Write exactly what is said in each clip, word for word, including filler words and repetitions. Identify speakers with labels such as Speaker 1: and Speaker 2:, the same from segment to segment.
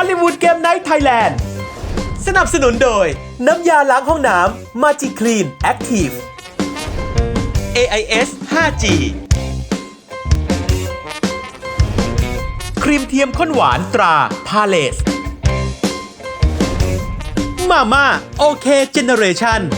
Speaker 1: อลลีวูดเกมไนท์ไทยแลนด์สนับสนุนโดยน้ำยาล้างห้องน้ำมาจิคลีนแอคทีฟ เอ ไอ เอส ไฟว์ จี ครีมเทียมข้นหวานตราพาเลสมาม่าโอเคเจเนเรชั่น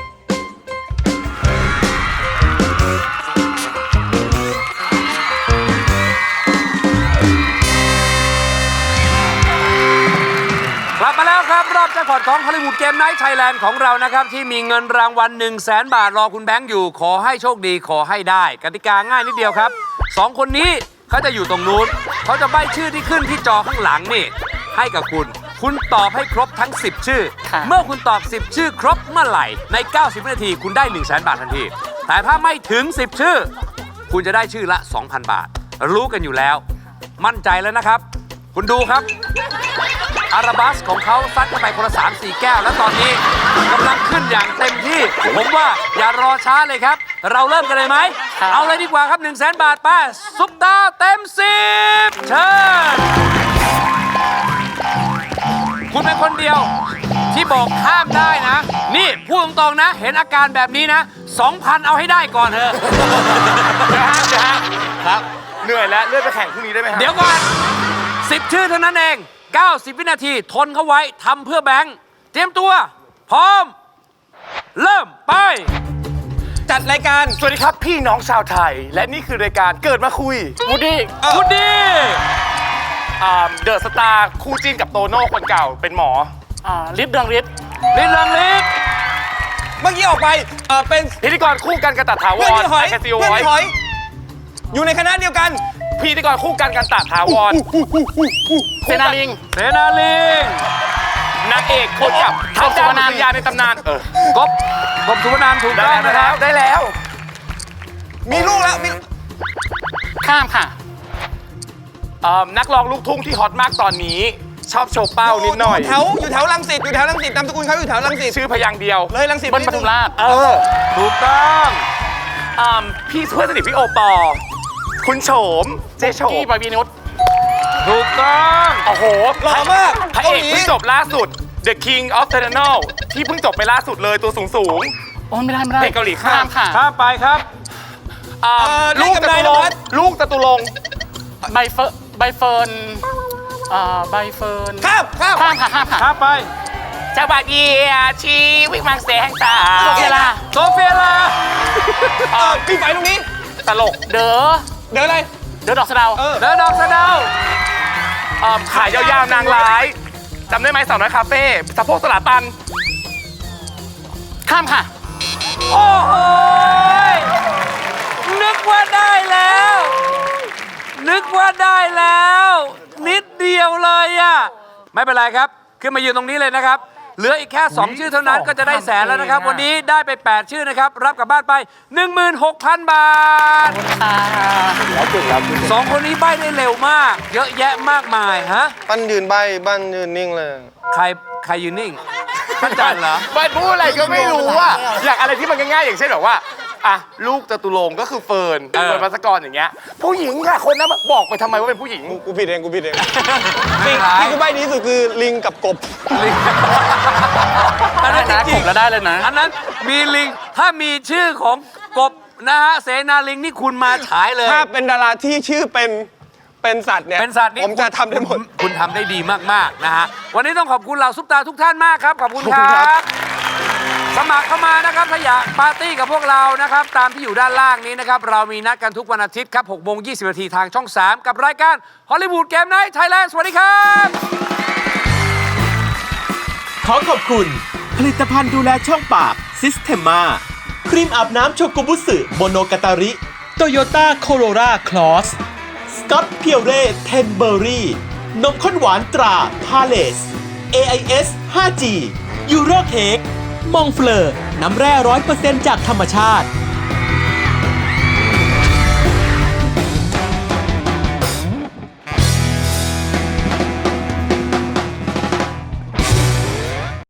Speaker 2: กลับมาแล้วครับรอบแจ็คพอตของฮอลลีวูดเกมไนท์ไทยแลนด์ของเรานะครับที่มีเงินรางวัล หนึ่งแสน บาทรอคุณแบงค์อยู่ขอให้โชคดีขอให้ได้กติกาง่ายนิดเดียวครับสองคนนี้เขาจะอยู่ตรงนู้นเขาจะใบ้ชื่อที่ขึ้นที่จอข้างหลังนี่ให้กับคุณคุณตอบให้ครบทั้งสิบชื่อเมื่อคุณตอบสิบชื่อครบเมื่อไหร่ในเก้าสิบวินาทีคุณได้ หนึ่งแสน บาททันทีแต่ถ้าไม่ถึงสิบชื่อคุณจะได้ชื่อละ สองพัน บาทรู้กันอยู่แล้วมั่นใจแล้วนะครับคุณดูครับอาราบัสของเขาซัดเข้าไปคนละ สามสี่ แก้วแล้วตอนนี้กำลังขึ้นอย่างเต็มที่ผมว่าอย่ารอช้าเลยครับเราเริ่มกันเลยไหมเอาเลยดีกว่าครับ หนึ่งแสน บาทไปซุปตาเต็มสิบเชิญคุณเป็นคนเดียวที่บอกข้ามได้นะนี่พูดตรงๆนะเห็นอาการแบบนี้นะ สองพัน เอาให้ได้ก่อนเถอะนะฮะนะฮะครับเหนื่อยแล้วเลื่อนไปแข่งพรุ่งนี้ได้ไหมครับเดี๋ยวก่อนสิบชื่อเท่านั้นเองเก้าสิบ วินาทีทนเขาไว้ทำเพื่อแบงค์เตรียมตัวพร้อมเริ่มไปจัดรายการสวัสดีครับพี่น้องชาวไทยและนี่คือรายการเกิดมาคุยวูดดี้วูดดี้เดอะสตาร์คู่จิ้นกับโตโน่คนเก่าเป็นหมอลิฟเรืองฤทธิ์ลิฟเรืองฤทธิ์เมื่อกี้ออกไปเป็นพิธีกรคู่กันกันตัดถาวรเพื่อนพี่หอยเพื่อนพี่หอยอยู่ในคณะเดียวกันพิธีกรคู่กันกันตัดถาวรเสนาลิงเสนาลิงนางเอกคนกับท้าวสุวรรณยาในตำนานเออกบกบสุวรรณถูกต้องนะครับได้แล้วมีลูกแล้วมีข้ามค่ะนักร้องลูกทุ่งที่ฮอตมากตอนนี้ชอบโชว์เป้านิดหน่อย
Speaker 3: แถวอยู่แถวรังสิตอยู่แถวรังสิตนามสกุลเขาอยู่แถวรังสิต
Speaker 2: ชื่อพยางเดียว
Speaker 3: เลยรังสิต
Speaker 2: บนปทุมราชเออถูกต้องพี่เพื่อนสนิทพี่โอปอคุณโฉมเจโฉมพี่ปวีนุชถูกต้องโอ้โห
Speaker 3: หล่อมาก
Speaker 2: พระเอกเพิ่งจบล่าสุด The King of Eternal ที่เพิ่งจบไปล่าสุดเลยตัวสูงสูง
Speaker 4: โอ้ไม่ได้ไม่ได้
Speaker 2: เพลงเกาหลีข้าม
Speaker 4: ค่ะ
Speaker 2: ข้ามไปครับลูกจตุรงค์ลูกจตุรงค์
Speaker 4: ใบเฟิร์นใบเฟิร์นใบเฟิร์น
Speaker 3: ข้ามข้าม
Speaker 4: ข้ามค่ะข้ามค่ะ
Speaker 2: ข้ามไป
Speaker 4: จังหวัดเยียชีวิมังแสงตา
Speaker 2: โซเฟียลาโซเฟียลา
Speaker 3: พี่ไปตรงนี้
Speaker 4: ตลกเด้อ
Speaker 3: เดี๋ยวอะไร
Speaker 4: เดี๋ยวดอกสะเดา
Speaker 2: เดี๋ยวดอกสะเดาขายยาวๆนางร้ายจำได้ไหมสาวน้อยคาเฟ่สะโพกสลาตัน
Speaker 4: ข้ามค่ะ
Speaker 2: โอ้โหนึกว่าได้แล้วนึกว่าได้แล้วนิดเดียวเลยอ่ะไม่เป็นไรครับขึ้นมายืนตรงนี้เลยนะครับเหลืออีกแค่สองชื่อเท่านั้นก็จะได้แสนแล้วนะครับวันนี้ได้ไปแปดชื่อนะครับรับกลับบ้านไป หนึ่งหมื่นหกพัน บาทสองคนนี้ใบ้ได้เร็วมากเยอะแยะมากมายฮะ
Speaker 3: ปั้นยืนใบบ้านยืนนิ่งเลย
Speaker 2: ใครใครยืนนิ่งปั้นจันเหรอ
Speaker 5: ปั้นพูดอะไรก็ไม่รู้อ่ะอย่างอะไรที่มันง่ายๆอย่างเช่นแบบว่าอ่ะลูกจตุรงค์ก็คือเฟิร์นเฟิร์นภัสกรอย่างเงี้ยผู้หญิงค่ะคนนั้นบอกไปทำไมว่าเป็นผู้หญิง
Speaker 3: กูผิดเองกูผิดเองสิ่งที่กูใบ้ดีที่สุดคือลิงกับกบ
Speaker 2: ลิงอันนั้นจริง
Speaker 4: แล้วได้เลยนะ
Speaker 2: อันนั้นมีลิงถ้ามีชื่อของกบนะฮะเสนาลิงนี่คุณมาฉายเลย
Speaker 3: ถ้าเป็นดาราที่ชื่อเป็นเป็นสัตว์เนี่ย
Speaker 2: เป็นสัตว์นี่
Speaker 3: ผมจะทำได้หมด
Speaker 2: คุณทำได้ดีมากๆนะฮะวันนี้ต้องขอบคุณเหล่าซุปตาทุกท่านมากครับขอบคุณครับสมัครเข้ามานะครับถ้าอยากปาร์ตี้กับพวกเรานะครับตามที่อยู่ด้านล่างนี้นะครับเรามีนัดกันทุกวันอาทิตย์ครับหกโมงยี่สิบนาทีทางช่องสามกับรายการฮอลลีวูดเกมไนท์ไทยแลนด์สวัสดีครับ
Speaker 1: ขอขอบคุณผลิตภัณฑ์ดูแลช่องปากซิสเทมมาครีมอาบน้ำโชกุบุสึโมโนกาตาริโตโยต้าโคโรราคลอสสกอตเพียวเร่เทนเบอรี่นมข้นหวานตราพาเลส เอ ไอ เอส ไฟว์ จี ยูโรเค้กมองเฟลอร์น้ำแร่ร้อยเปอร์เซ็นต์จากธรรมชาติ